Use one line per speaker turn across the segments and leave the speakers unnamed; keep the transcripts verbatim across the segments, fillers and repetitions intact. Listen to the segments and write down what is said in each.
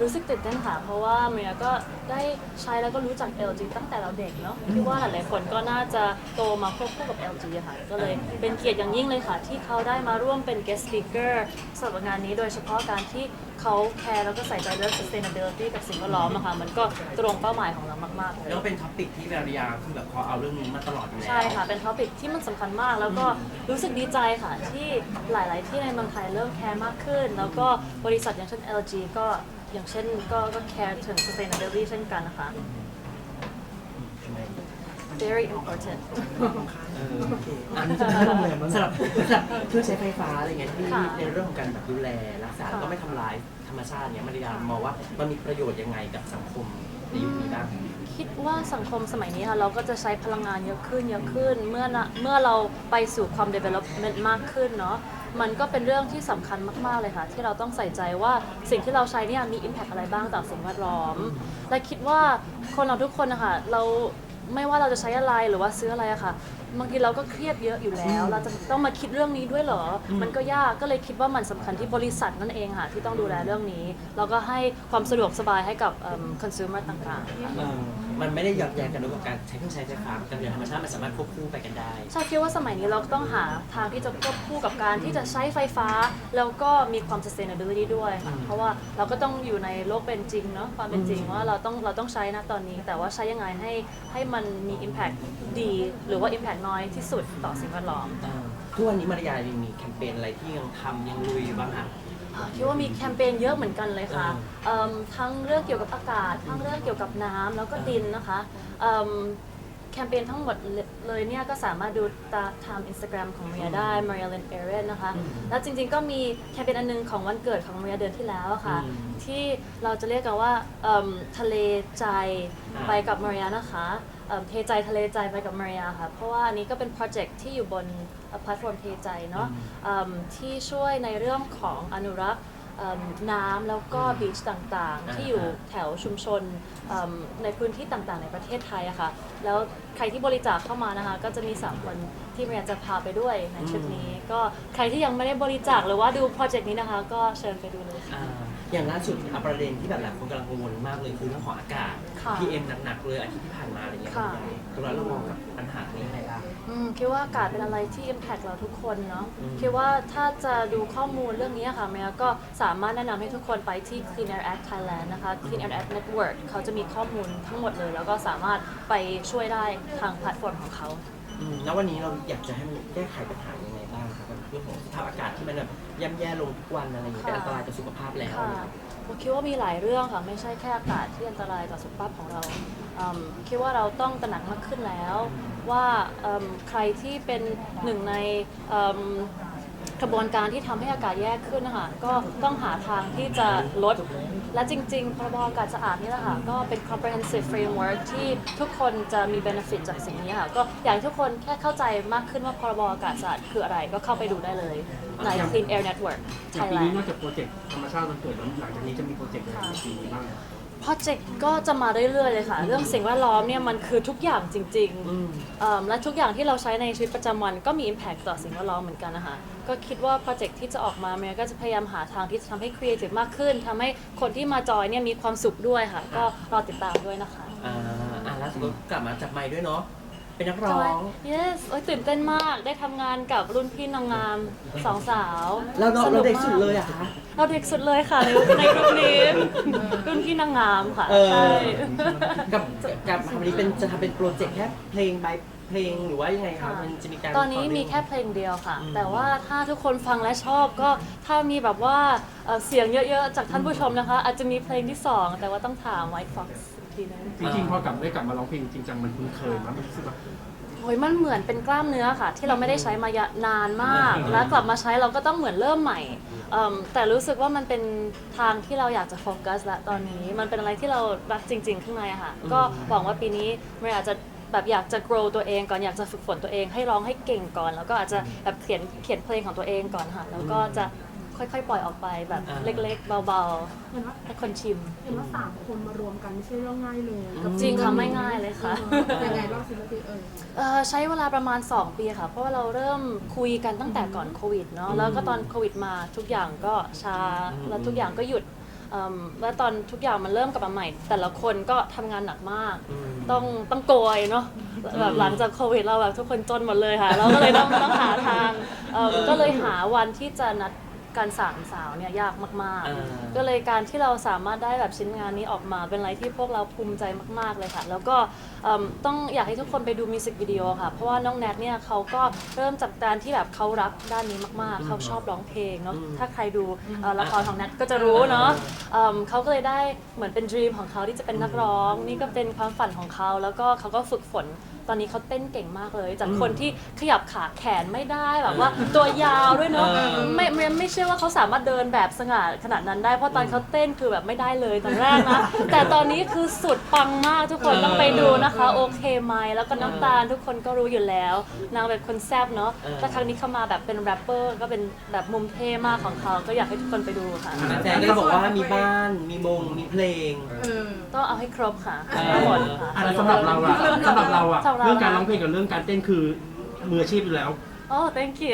รู้สึกตื่นเต้นค่ะเพราะว่าเมียก็ได้ใช้แล้วก็รู้จัก แอล จี ตั้งแต่เราเด็กเนาะคิดว่าหลายๆคนก็น่าจะโตมาควบคู่กับ แอล จี อะค่ะก็เลยเป็นเกียรติอย่างยิ่งเลยค่ะที่เขาได้มาร่วมเป็น guest speaker สำหรับงานนี้โดยเฉพาะการที่เขาแคร์แล้วก็ใส่ใจเรื่อง sustainability กับสิ่งแวดล้อมอะค่ะมันก็ตรงเป้าหมายของเรามากๆเลย
แล้วก็เป็นท็อปิกที่มาริยาคือแบบเขาเอาเรื่องนี้มาตลอดอยู่แล้ว
ใช่ค่ะเป็นท็อปิกที่มันสำคัญมากแล้วก็รู้สึกดีใจค่ะที่หลาย ๆ ที่ในเมืองไทยเริ่มแคร์มากขึ้น แล้วก็บริษัทอย่างเช่น แอล จี ก็อย่างเช่นก็ก็แคร์ถึง sustainability เช่นกันนะคะ very important
เออโอเคอันนี้จะเป็นโรงแรมสำหรับสำหรับเครื่องใช้ไฟฟ้าอะไรเงี้ยที่
ค่ะ
ในเรื่องของการแบบดูแลรักษา
ค่ะ
ก็ไม่ทำลายธรรมชาติเนี้ยมาริยามองว่ามันมีประโยชน์ยังไงกับสังคมในยุคนี้บ้าง
คิดว่าสังคมสมัยนี้ค่ะเราก็จะใช้พลังงานเยอะขึ้นเยอะขึ้นเมื่อนะเมื่อเราไปสู่ความ development มากขึ้นเนาะมันก็เป็นเรื่องที่สำคัญมากๆเลยค่ะที่เราต้องใส่ใจว่าสิ่งที่เราใช้เนี่ยมี impact อะไรบ้างต่อสิ่งแวดล้อมและคิดว่าคนเราทุกคนนะคะเราไม่ว่าเราจะใช้อะไรหรือว่าซื้ออะไรอะค่ะบางทีเราก็เครียดเยอะอยู่แล้วเราจะต้องมาคิดเรื่องนี้ด้วยเหรอมันก็ยากก็เลยคิดว่ามันสำคัญที่บริษัทนั่นเองค่ะที่ต้องดูแลเรื่องนี้แล้วก็ให้ความสะดวกสบายให้กับเอิ่ม consumer ต่างๆค่ะ
เออมันไม่ได้หยอดแยงกันด้วยกับการใช้เครื่องใช้ไฟฟ้ากับอย่างธรรมชาติมันสามารถควบคู่ไปกันได้
ชาคิดว่าสมัยนี้เราต้องหาทางที่จะควบคู่กับการที่จะใช้ไฟฟ้า แล้วก็มีความ sustainability ด้วยค่ะเพราะว่าเราก็ต้องอยู่ในโลกเป็นจริงเนาะความเป็นจริงว่าเราต้องเราต้องใช้นะตอนนี้ แต่ว่าใช้ยังไงให้ให้มันมี impact ดี หรือว่า impact น้อยที่สุดต่อสิ่งแวดล้อม
ทุกวันนี้มาริยายังมีแคมเปญอะไรที่ยังทำยังลุยอยู่บ้างคะ
คิดว่ามีแคมเปญเยอะเหมือนกันเลยค่ะเอิ่มทั้งเรื่องเกี่ยวกับอากาศ ทั้งเรื่องเกี่ยวกับน้ำแล้วก็ดินนะคะเอิ่มแคมเปญทั้งหมดเลยเนี่ยก็สามารถดูตาทาง Instagram ของเมียได้ Maria Lynn Aaron นะคะ แล้วจริงๆก็มีแคมเปญอันนึงของวันเกิดของเมียเดือนที่แล้วอะค่ะ ที่เราจะเรียกกันว่าเอิ่มทะเลใจไปกับมาริยานะคะเอิ่มเทใจทะเลใจไปกับมาริยาค่ะ เพราะว่าอันนี้ก็เป็นโปรเจกต์ที่อยู่บนแพลตฟอร์มเทใจเนาะเอิ่มที่ช่วยในเรื่องของอนุรักษ์เอิ่มน้ำแล้วก็บีชต่างๆ ที่อยู่แถวชุมชนเอิ่มในพื้นที่ต่างๆ ในประเทศไทยอะค่ะ แล้วใครที่บริจาคเข้ามานะคะ ก็จะมีสามคนที่มาริยาจะพาไปด้วยในทริปนี้ ก็ใครที่ยังไม่ได้บริจาคหรือว่าดูโปรเจกต์นี้นะคะ ก็เชิญไปดูเลยค่ะ
อ่าอย่างล่าสุดอ่ะประเด็นที่แบบหลายคนกำลังกังวลมากเลยคือเรื่องของอากาศ
ค่ะ
พี เอ็ม หนักๆเลยอาทิตย์ที่ผ่านมาอะไรเงี้ย
ค่ะ
ตรงนั้นเรามองกับปัญหานี้ยังไงบ้าง
อืมคิดว่าอากาศเป็นอะไรที่ impact เราทุกคนเนาะ
อืม
คิดว่าถ้าจะดูข้อมูลเรื่องนี้ค่ะเมียก็สามารถแนะนำให้ทุกคนไปที่ Clean Air Act Thailand นะคะ Clean Air Act Network เขาจะมีข้อมูลทั้งหมดเลย แล้วก็สามารถไปช่วยได้ทางแพลตฟอร์มของเขา
อืมแล้ววันนี้เราอยากจะให้มันแก้ไขปัญหายังไงบ้างครับกับเรื่องของสภาพอากาศที่มันแบบย่ำแย่ลงทุกวันอะไรอย่างเงี้ยเป็นอันตรายต่อสุขภาพแล้ว
ค่ะผมคิดว่ามีหลายเรื่องค่ะ ไม่ใช่แค่อากาศที่อันตรายต่อสุขภาพของเราอืมคิดว่าเราต้องตระหนักมากขึ้นแล้ว ว่าอืมใครที่เป็นหนึ่งในอืมกระบวนการที่ทำให้อากาศแย่ขึ้นนะคะก็ต้องหาทางที่จะลด และจริงๆพรบอากาศสะอาดนี่แหละค่ะก็เป็น comprehensive framework ที่ทุกคนจะมี benefit จากสิ่งนี้ค่ะก็อยากให้ทุกคนแค่เข้าใจมากขึ้นว่าพรบอากาศสะอาดคืออะไรก็เข้าไปดูได้เลยใน Clean Air Network
อย่างปีนี้
Thailand
นอกจากโปรเจกต์ธรรมชาติมันเกิดแล้วหลังจากนี้จะมีโปรเจกต์อะไรในปีนี้บ้าง
โปรเจกต์ก็จะมาเรื่อยๆเลยค่ะ เรื่องสิ่งแวดล้อมเนี่ยมันคือทุกอย่างจริงๆเอิ่มและทุกอย่างที่เราใช้ในชีวิตประจำวันก็มี impact ต่อสิ่งแวดล้อมเหมือนกันนะคะก็คิดว่าโปรเจกต์ที่จะออกมาเมียก็จะพยายามหาทางที่จะทำให้ creative มากขึ้นทำให้คนที่มาจอยเนี่ยมีความสุขด้วยค่ะ ก็รอติดตามด้วยนะคะ
อ่าอ่าล่าสุดก็กลับมาจับไมค์ด้วยเนาะเป็นนักร้
จ
อ
อย
ง
yes โอ้ยตื่นเต้นมากได้ทำงานกับรุ่นพี่นางงามสองสาว
เราเรา
สนุ
เรา
ก
เด็ก
มาก
สุดเลยอะคะ
เราเด็กสุดเลยค่ะในในรุ่นนี้รุ่นพี่นางงามค่ะ
เออ
ใช่
กับกับทำอันนี้เป็นจะทำเป็นโปรเจกต์แค่เพลงบายเพลงหรือว่ายังไงคะ
ค่ะ
มันจะมีการ
ตอนนี้มีแค่เพลงเดียวค่ะ แต่ว่าถ้าทุกคนฟังและชอบก็ถ้ามีแบบว่าเอ่อเสียงเยอะๆ จากท่านผู้ชมนะคะ อาจจะมีเพลงที่สองแต่ว่าต้องถาม White Fox อีกทีนึง
จริงๆพอกลับได้กลับมาร้องเพลงจริงจังมันคุ้นเคยมั้ยมันรู้สึกว่า
โอ้ยมันเหมือนเป็นกล้ามเนื้อค่ะ ที่เราไม่ได้ใช้มานานมาก แล้วกลับมาใช้เราก็ต้องเหมือนเริ่มใหม่เอิ่มแต่รู้สึกว่ามันเป็นทางที่เราอยากจะโฟกัสละตอนนี้มันเป็นอะไรที่เรารักจริงๆข้างในอะค่ะก็หวังว่าปีนี้เราอาจจะแบบอยากจะ grow ตัวเองก่อนอยากจะฝึกฝนตัวเองให้ร้องให้เก่งก่อน แล้วก็อาจจะแบบเขียนเขียนเพลงของตัวเองก่อนค่ะแล้วก็จะค่อยๆ ปล่อยออกไปแบบเล็กๆ เบา
เห็นว่า
ๆให้คนชิม
เห็นว่าสามคนมารวมกันไม่ใช่เรื่องง่ายเลยกับ
จริงค่ะไม่ง่ายเลยค่ะ
เออยังไงบ้างสิพี่เออ
เอ่อใช้เวลาประมาณ สอง ปีค่ะ เพราะว่าเราเริ่มคุยกันตั้งแต่ก่อนโควิดเนาะแล้วก็ตอนโควิดมาทุกอย่างก็ช้าแล้วทุกอย่างก็หยุดเอิ่มแล้วตอนทุกอย่างมันเริ่มกลับมาใหม่ แต่ละคนก็ทำงานหนักมาก
อืม
ต้องต้องโกยเนาะแบบหลังจากโควิดเราแบบทุกคนจนหมดเลยค่ะ เราก็เลยต้องต้องหาทางเอิ่มก็เลยหาวันที่จะนัดการสามสาวเนี่ยยากมาก
เออ
ๆ ก็เลยการที่เราสามารถได้แบบชิ้นงานนี้ออกมาเป็นอะไรที่พวกเราภูมิใจมากๆเลยค่ะ แล้วก็เอิ่มต้องอยากให้ทุกคนไปดูมิวสิกวิดีโอค่ะ เพราะว่าน้องแนทเนี่ยเขาก็เริ่มจากการที่แบบเขารักด้านนี้มากๆ เขาชอบร้องเพลงเนาะ
อืม
ถ้าใครดูเอ่อละครของแนทก็จะรู้เนาะเอิ่มเขาก็เลยได้เหมือนเป็นด e ีมของเขาที่จะเป็นนักร้อง นี่ก็เป็นความฝันของเขา แล้วก็เขาก็ฝึกฝน ตอนนี้เขาเต้นเก่งมากเลย จากคนที่ขยับขาแขนไม่ได้แบบว่าตัวยาวด้วยเนาะ
เออ
ไม่ไม่ไม่เชื่อว่าเขาสามารถเดินแบบสง่าขนาดนั้นได้ เพราะตอนเขาเต้นคือแบบไม่ได้เลยตอนแรกนะ แต่ตอนนี้คือสุดปังมากทุกคนต้องไปดูนะคะ โอเคไหมแล้วก็น้ำตาลทุกคนก็รู้อยู่แล้ว นางเป็นคนแซ่บเนาะ
เออ
แต่ครั้งนี้เข้ามาแบบเป็นแรปเปอร์ก็เป็นแบบมุมเท่มากของเขาก็อยากให้ทุกคนไปดูค่ะ
แฟนก็บอกว่ามีบ้าน มีมง มีเพลง
เออ
ต้องเอาให้ครบค่ะ
เออ
ทั้งหมดค่ะ
อ่ะแล้วสำหรับเราอะสำหรับเราอะ
สำหรับเรา
เรื่องการร้องเพลงกับเรื่องการเต้นคือมืออาชีพอยู่แล้ว
โอ้ thank you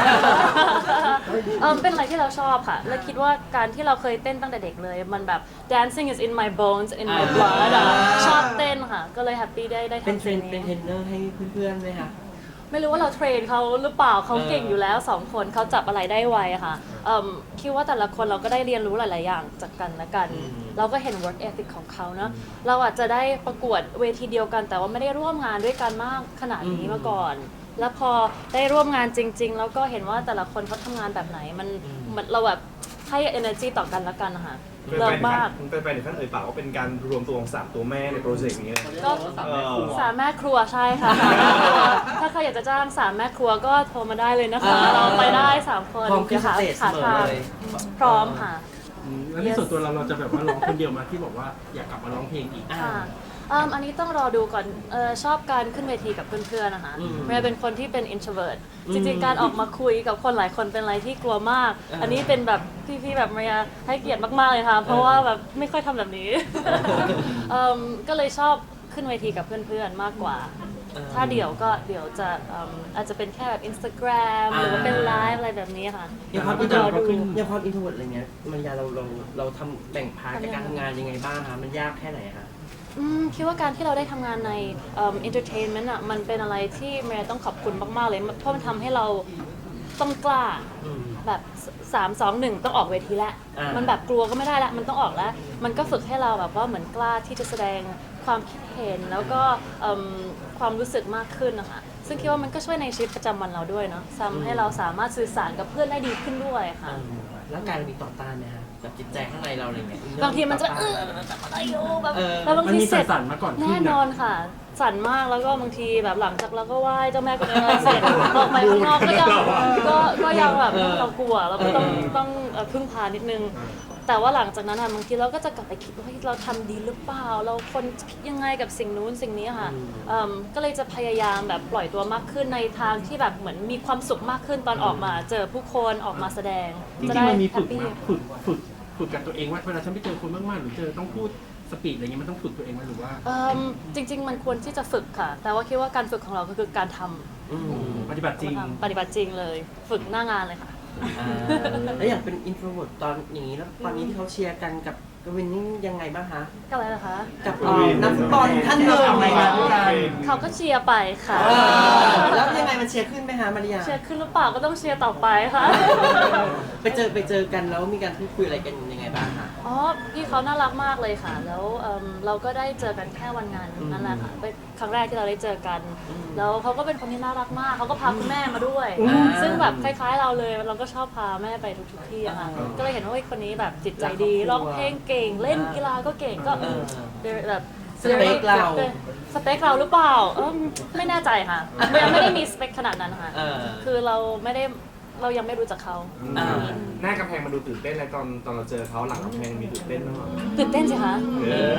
เออเป็นอะไรที่เราชอบค่ะ และคิดว่าการที่เราเคยเต้นตั้งแต่เด็กเลย มันแบบ dancing is in my bones in my blood อะชอบเต้นค่ะ ก็เลยแฮปปี้ได้ได้
เป็น
ทำ
เทร
สิ่
น
ง
เป็นเทร
นี้
นเนอร์ให้เพื่อนๆไหมคะ
ไม่รู้ว่าเราเทรนเขาหรือเปล่าเขา
เออ
เก่งอยู่แล้วสองคนเขาจับอะไรได้ไวอะค่ะเอิ่มคิดว่าแต่ละคนเราก็ได้เรียนรู้หลาย ๆ อย่างจากกันและกัน เราก็เห็น work ethic ของเขาเนอะเราอาจจะได้ประกวดเวทีเดียวกัน แต่ว่าไม่ได้ร่วมงานด้วยกันมากขนาดนี้มาก่อน แล้วพอได้ร่วมงานจริง ๆ แล้วก็เห็นว่าแต่ละคนเขาทำงานแบบไหนมันมันเราแบบให้ energy ต่อกันและกันนะคะเลิศมาก
เป็นไปในขั้นเอ่ยปากว่าเป็นการรวมตัวของสามตัวแม่ในโปรเจกต์นี้เลย
ก็
เออ
สามแม่ครัวใช่ค่ะสามแม่ครัวถ้าใครอยากจะจ้างสามแม่ครัวก็โทรมาได้เลยนะคะ
อ่า
เราไปได้สามคน
พร้อมขึ้นส
หา
เตจเส
หาม
อ
ทาง
เลย
พร้อมค่ะ
อืมแล้วในส่วนตัวเราเราจะแบบว่าร้องคนเดียวมาที่บอกว่าอยากกลับมาร้องเพลงอีก
อ่า
ค่ะอืมอันนี้ต้องรอดูก่อนเออชอบการขึ้นเวทีกับเพื่อนๆนะคะ
อืม
เมย์เป็นคนที่เป็น introvert
อืม
จริงๆ การออกมาคุยกับคนหลายคนเป็นอะไรที่กลัวมาก
เอออั
อันนี้เป็นแบบพี่ๆ แบบเมย์ให้เกียรติมากๆ เลยค่ะ เพราะว่าแบบไม่ค่อยทำแบบนี้ เอิ่มก็เลยชอบขึ้นเวทีกับเพื่อนๆ มากกว่า
เออ
ถ้าเดี๋ยวก็เดี๋ยวจะเอิ่มอาจจะเป็นแค่แบบ Instagram หรือว่าเป็นไลฟ์อะไรแบบนี้ค่ะ
อย่างความ
แต่
อินโทร
เราก็ขึ้น
อย่างความอินโทรอะไรเงี้ยมันยาเราเราเราทำแบ่งพาร์ทกับการทำงานยังไงบ้างคะมันยากแค่ไหนคะ
อืมคิดว่าการที่เราได้ทำงานในเอ่อ entertainment อ่ะมันเป็นอะไรที่เมย์ต้องขอบคุณมาก ๆ เลย เพราะมันทำให้เราต้องกล้า
อืม
แบบสามสองหนึ่งต้องออกเวทีแล้ว
อ่ามั
มันแบบกลัวก็ไม่ได้ละมันต้องออกแล้ว มันก็ฝึกให้เราแบบว่าเหมือนกล้าที่จะแสดงความคิดเห็น แล้วก็เอิ่มความรู้สึกมากขึ้นนะคะซึ่งคิดว่ามันก็ช่วยในชีวิตประจำวันเราด้วยเนาะทำให้เราสามารถสื่อสารกับเพื่อนได้ดีขึ้นด้วยค่ะ
อ่าแล้วการมีต่อต้านไหมคะแบบจิตใจข้างในเราอะไรเงี้ย
บางทีมันจะ
ต่อ
เอ
ต้า
ออะไรอยู่แบบ
เออ
แล้วบาง
มัน
ที
มี
เสร็จ
สั่นๆมาก่อนขึ้น
แน่
นะ
นอนค่ะ สั่นมากแล้วก็บางทีแบบหลังจากเราก็ไหว้เจ้าแม่กุฎอะไรเสร็จออกไปข้างนอกก็ยังก็ก็ยังแบบ
เออ
เรากลัวเราก็ต้อง
เออ
ต้องเอ่อพึ่งพานิดนึง แต่ว่าหลังจากนั้นอะบางทีเราก็จะกลับไปคิดว่าเฮ้ยเราทำดีหรือเปล่า เราคนคิดยังไงกับสิ่งนู้นสิ่งนี้ค่ะเอิ่มก็เลยจะพยายามแบบปล่อยตัวมากขึ้นในทางที่แบบเหมือนมีความสุขมากขึ้นตอนออกมา เจอผู้คนออกมาแสดง
จริ
จะ
ง
ได้
ๆมันมี
แฮ
ฝึ
ป
ก
ปี้
มาฝึกฝึกฝึกกับตัวเองว่าเวลาฉันไปเจอคนมากๆหรือเจอต้องพูดสปีดอะไรเงี้ยมันต้องฝึกตัวเองไหมหรือว่า
เอิ่มจริง ๆ มันควรที่จะฝึกค่ะ แต่ว่าคิดว่าการฝึกของเราก็คือการทำ
อืม
ปฏิบัติจริง
ปฏิบัติจริงเลย ฝึกหน้างานเลยค่ะ
อ่าแล้วอย่างเป็นอินโทรเวิร์ตตอนอย่างนี้แล้วตอนนี้ที่เขาเชียร์กันกับกวินนี่ยังไงบ้างคะ
ก็อะไรนะคะ
กับเอ่อนักฟุตบอลท่านหนึ่ง
ทำอะไรมาด้วยกัน
เขาก็เชียร์ไปค่ะ
เออแล้วยังไงมันเชียร์ขึ้นไหมคะมาริยา
เชียร์ขึ้นหรือเปล่าก็ต้องเชียร์ต่อไปค่ะ
ไปเจอไปเจอกันแล้วมีการพูดคุยอะไรกันยังไงบ้างคะ
อ๋อ พี่เขาน่ารักมากเลยค่ะ แล้วเอิ่มเราก็ได้เจอกันแค่วันงานนั่นแหละค่ะ เป็นครั้งแรกที่เราได้เจอกัน แล้วเขาก็เป็นคนที่น่ารักมาก เขาก็พาคุณแม่มาด้วย ซึ่งแบบคล้ายๆเราเลย เราก็ชอบพาแม่ไปทุกๆที่อะค่ะ ก็เลยเห็นว่าเฮ้ยคนนี้แบบจิตใจดี ร้องเพลงเก่ง เล่นกีฬาก็เก่ง ก็
เออ
แบบ
สเปคเรา
สเปคเราหรือเปล่าเออไม่แน่ใจค่ะยังไม่ได้มีสเปคขนาดนั้นค่ะ
เออ
คือเราไม่ได้เรายังไม่รู้จักเขา
อ่า
หน้ากำแพงมันดูตื่นเต้นเลยตอนตอนเราเจอเขาหลังกำแพงมีตื่นเต้นบ้างไหม
ตื่นเต้นสิคะ
เออ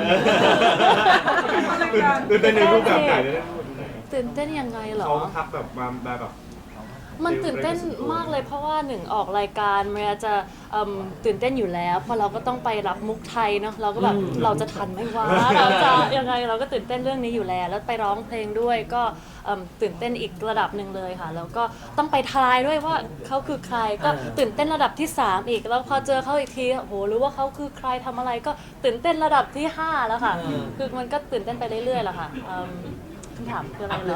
ตื่นเต้นในรูปแบบไหนเลยนะ
ตื่นเต้นยังไงเหรอ
เขาทักแบบมาแบบแบบ
มันตื่นเต้นมากเลยเพราะว่าหนึ่งออกรายการเมียจะเอิ่มตื่นเต้นอยู่แล้วเพราะเราก็ต้องไปรับมุกไทยเนาะเราก็แบบเราจะทันไหมวะเราจะยังไงเราก็ตื่นเต้นเรื่องนี้อยู่แล้วแล้วไปร้องเพลงด้วยก็เอิ่มตื่นเต้นอีกระดับหนึ่งเลยค่ะแล้วก็ต้องไปทายด้วยว่าเขาคือใครก็ตื่นเต้นระดับที่สามอีกแล้วพอเจอเขาอีกทีโอ้โหรู้ว่าเขาคือใครทำอะไรก็ตื่นเต้นระดับที่ห้าแล้วค่ะคือมันก็ตื่นเต้นไปเรื่อยๆแหละค่ะเอิ่มคำถามคืออะไรเหรอ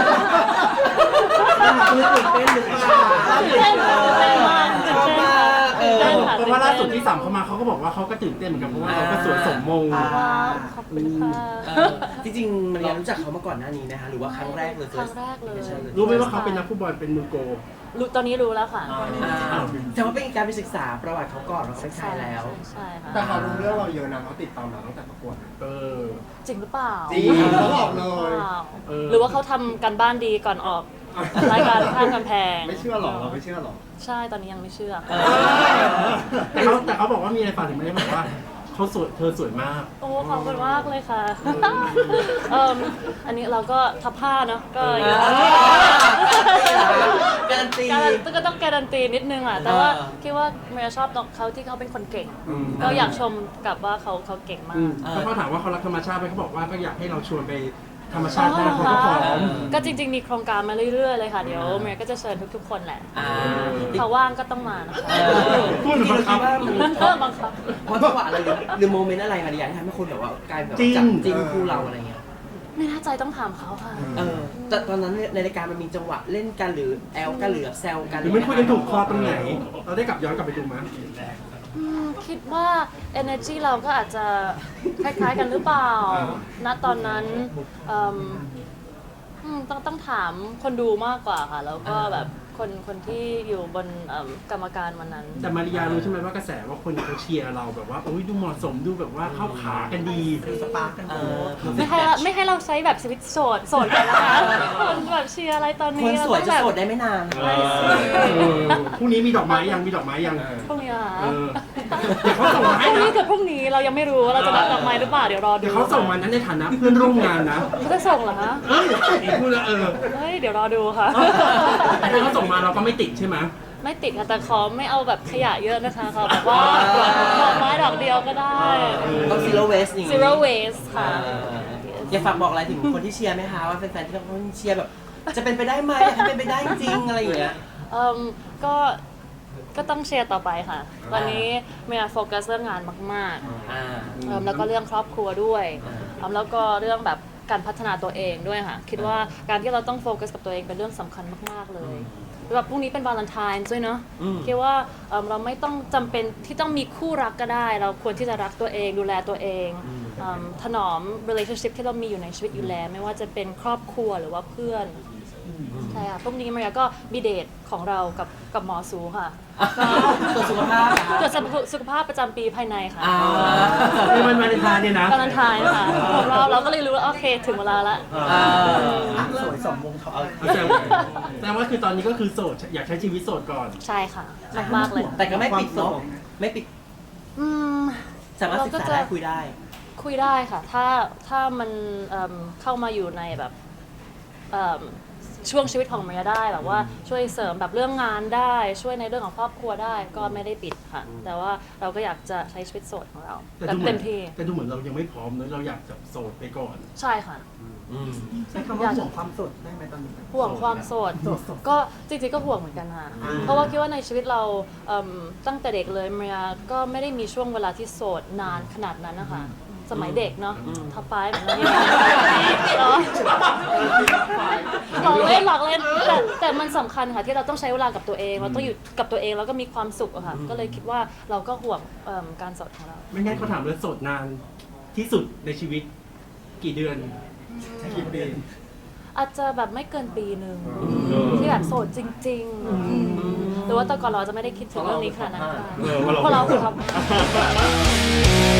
คือตื่นเต้นหรือเปล่า
ตื่นเต้นค่ะตื่นเต้นมากตื่นเต้นค่ะตื่นเต้นค่ะ
เพราะว่าล่าสุดที่สามเขามาเขาก็บอกว่าเขาก็ตื่นเต้นเหมือนกันเพราะว่าเราก็สวยสมมง
ว้าวขอบคุณค่ะ
เออจริงๆมันรู้จักเขามาก่อนหน้านี้นะคะหรือว่าครั้งแรกเลย
ครั้งแรกเลย
รู้ไหมว่าเขาเป็นนักฟุตบอลเป็นมือโก
รู้ตอนนี้รู้แล้วค่ะ
อ่าแต่ว่าเป็นการไปศึกษาประวัติเขาก่อนว่าเขาเป็นใครแล้ว
ใช่ค่ะ
แต่เขารู้เรื่องเราเยอะนะเขาติดตามเราตั้งแต่ประกวด
เออ
จริงหรือเปล่า
จริงเขาบอกเลย
ว้าว
เออ
หรือว่าเขาทำกันบ้านดีก่อนออกรายการข้างกำแพง
ไม่เชื่อหรอเราไม่เชื่อหรอ
ใช่ตอนนี้ยังไม่เชื่อ
เออ
แต่เขาแต่เขาบอกว่ามีอะไรฝากถึงไม่ได้บอกว่าเขาสวยเธอสวยมาก
โอ้ขอบคุณมากเลยค่ะเอิ่มอันนี้เราก็ทับผ้าเนาะก็อยู่
การันตี
การันตีก็ต้องการันตีนิดนึงอ่ะแต่ว่า
เออ
คิดว่าเมียชอบเขาที่เขาเป็นคนเก่ง
อืม
ก็อยากชมกลับว่าเขาเขาเก่งมา
อืม
ก
แล้วเขาถามว่าเขารักธรรมชาติไหมเขาบอกว่าก็อยากให้เราชวนไปธรรมชาติได้เขาก็พร้อม
ก็จริงๆ มีโครงการมาเรื่อยๆ เลยค่ะ เดี๋ยวเมย์ก็จะเชิญทุกๆ คนแหละ
อ่า
เขาว่างก็ต้องมานะคะ
เออ
พูดเหมือนบังคับ
จริงๆเราคิดว่ามัน
เออบังคับ
เพราะจังหวะอะไรหรือหรือโมเมนต์อะไรมาดีที่ทำให้คนแบบว่ากลายแบบ
จริง
จับจิ้นคู่เราอะไรเงี้ย
ไม่แน่ใจต้องถามเขาค่ะ
เออแต่ตอนนั้นในรายการมันมีจังหวะเล่นกันหรือแอลกันหรือแซวกัน
หรือไม่คุยกันถูกคอตรงไหน เราได้กลับย้อนกลับไปดูมั้ย
อืมคิดว่า energy เราก็อาจจะคล้ายๆ กันหรือเปล่า ณ ตอนนั้นเอิ่มอืมต้องต้องถามคนดูมากกว่าค่ะ แล้วก็แบบคนคนที่อยู่บนเอิ่มกรรมการวันนั้น
แต่มาริยารู้ใช่ไหมว่ากระแสว่าคนเขาเชียร์เราแบบว่าโอ้ยดูเหมาะสมดูแบบว่าเข้าขากันดี
สปาร์กกันเออ
ไม่ให้เราไม่ให้เราใช้แบบชีวิตโสดโสดกันนะคะคนแบบเชียร์อะไรตอน
ค
นี้
น
เรา
สวย
ต้อง
จะ
แบบ
โสดได้ไม่นาน
ไม่สิ
เออพรุ่งนี้มีดอกไม้ยังมีดอกไม้ยัง
พรุ่งนี้เหรอ
เออเดี๋ยวเขาส่งมา
พ
ให้
รุ่ง
นะ
นี้กับพรุ่งนี้เรายังไม่รู้ว่าเราจะรับดอกไม้หรือเปล่าเดี๋ยวรอดู
เดี๋ยวเขาส่งมานั้นในฐานะเพื่อนร่วมงานนะ
เขาจะส่งเหรอคะ
เอ้ยพูดแล้วเออ
เฮ้ยเดี๋ยวรอดูค่ะ
แต่ถ้าเขาส่งมาเราก็ไม่ติดใช่ไหม
ไม่ติดค่ะแต่ขอไม่เอาแบบขยะเยอะนะคะขอแบบว่าดอกไม้ดอกเดียวก็ได้
ต้อง zero waste อย่างงี้
zero waste ค่ะ
เอออยากฝากบอกอะไรถึงคนที่เชียร์ไหมคะว่าแฟนๆที่เขาเชียร์แบบ จะเป็นไปได้ไหมอยากให้เป็นไปได้จริงอะไรอย่างเงี้ย
เอ่มก็ก็ต้องเชียร์ต่อไปค่ะ ตอนนี้เมียโฟกัสเรื่องงานมากๆ
อ่า
เอิ่มแล้วก็เรื่องครอบครัวด้วย
อ่า
เอิ่มแล้วก็เรื่องแบบการพัฒนาตัวเองด้วยค่ะ คิดว่าการที่เราต้องโฟกัสกับตัวเองเป็นเรื่องสำคัญมากๆเลยแบบพรุ่งนี้เป็นวาเลนไทน์ด้วยเนาะ
อืม
คิดว่าเอิ่มเราไม่ต้องจำเป็นที่ต้องมีคู่รักก็ได้ เราควรที่จะรักตัวเองดูแลตัวเองเอิ่มถนอม relationship ที่เรามีอยู่ในชีวิตอยู่แล้ว ไม่ว่าจะเป็นครอบครัวหรือว่าเพื่อนใช่ค่ะพรุ่งนี้มาริยาก็มีเดทของเรากับกับหมอสูค่ะ
ตรวจสุขภาพอะ
ตรวจสุขภาพประจำปีภายในค่ะ
อ่า
ในวันวาเลนไทน์เนี่ยนะ
วาเลนไทน์ค่ะของเราเราก็เลยรู้ว่าโอเคถึงเวลาละ
อ่า
สวยสมมงทอง
แสดงแสดงว่าคือตอนนี้ก็คือโสดอยากใช้ชีวิตโสดก่อน
ใช่ค่ะมากๆเลย
แต่ก็ไม่ปิดเนาะไม่ปิด
อืม
สามารถศึกษาได้คุยได้
คุยได้ค่ะ ถ้าถ้ามันเอิ่มเข้ามาอยู่ในแบบเอิ่มช่วงชีวิตของเมียได้แบบว่าช่วยเสริมแบบเรื่องงานได้ ช่วยในเรื่องของครอบครัวได้ก็ไม่ได้ปิดค่ะ แต่ว่าเราก็อยากจะใช้ชีวิตโสดของเรา
แต่
แบบ
ดูเหมื
เต็
อน
มที่
แต่ดูเหมือนเรายังไม่พร้อมเนอะเราอยากจะโสดไปก่อน
ใช่ค่ะ
อืม
ใช้คำว่าห่วงความสดได้ไหมตอนนี้
ห่วงความโสด
โสด
ก็จริงๆก็ห่วงเหมือนกันค่ะ เพราะว่าคิดว่าในชีวิตเราเอิ่มตั้งแต่เด็กเลยเมียก็ไม่ได้มีช่วงเวลาที่โสดนานขนาดนั้นนะคะ สมัยเด็กเนาะท็อปไฟว์เหมือนกันเนาะหลอกเล่นหลอกเล่นแต่แต่มันสำคัญค่ะที่เราต้องใช้เวลากับตัวเอง เราต้องอยู่กับตัวเองแล้วก็มีความสุขอะค่ะ ก็เลยคิดว่าเราก็ห่วงเอิ่มการโสดของเรา
ไม่งั้นเขาถามเลยโสดนานที่สุดในชีวิตกี่เดือน
กี่ปี
อาจจะแบบไม่เกินปีหนึ่งที่แบบโสดจริงๆหรือว่าแต่ก่อนเราจะไม่ได้คิดถึงเรื่องนี้ขนาดนั้นค่ะ
เออว่าเรา
เพราะเราคือท็อป